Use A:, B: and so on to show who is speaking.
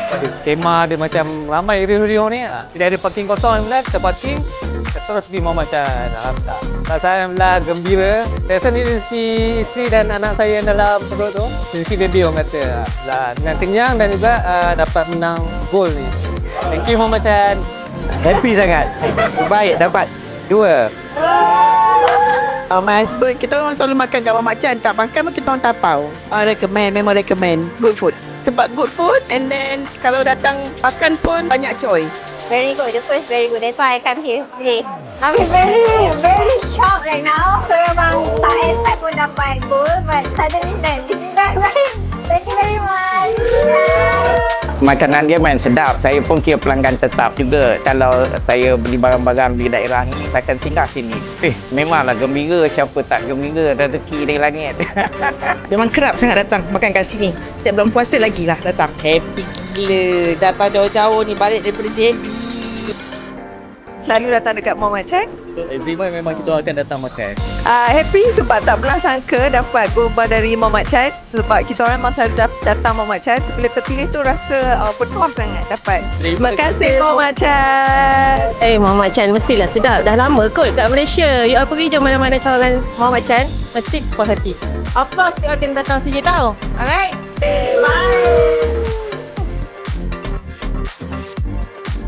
A: Kemah dia macam ramai riuh-riuh ni. Tidak ada parking kosong Alhamdulillah, kita parking. Kita terus pergi Muhammad Chan. Alhamdulillah. Saya Alhamdulillah gembira. Saya rasa ni rezeki isteri dan anak saya yang dalam perut tu. Rezeki baby orang kata. Alhamdulillah. Dengan kenyang dan juga dapat menang gol ni. Thank you Muhammad Chan.
B: Happy sangat. Baik dapat 2.
C: My husband, kita orang selalu makan kat Muhammad Chan. Tak makan pun kita orang tapau. Memang recommend. Good food. Sebab good food and then kalau datang makan pun banyak choice.
D: Very good. The food is very good. That's why I come here today. I'm very shocked right now. So memang tak expect pun dapat goal, but suddenly then this is right. Thank you very much.
B: Makanan dia main sedap. Saya pun kira pelanggan tetap juga. Kalau saya beli barang-barang di daerah ni, saya akan singgah sini. Memanglah gembira. Siapa tak gembira, rezeki dari langit.
C: Memang kerap sangat datang makan kat sini. Setiap bulan puasa lagi lah datang. Happy gila. Datang jauh-jauh ni balik daripada JB.
E: Selalu datang dekat Muhammad Chan.
A: Every month memang kita akan datang makan.
E: Happy sebab tak pernah sangka dapat gurba dari Muhammad Chan. Sebab kita orang memang selalu datang Muhammad Chan. Sebila terpilih tu rasa bertuah sangat dapat. Terima kasih Muhammad Chan.
F: Muhammad Chan mestilah sedap. Dah lama kot kat Malaysia. You all pergi je mana-mana cawangan Muhammad Chan. Mesti puas hati. Of course, you all kena datang sini tau. Alright?
D: Bye.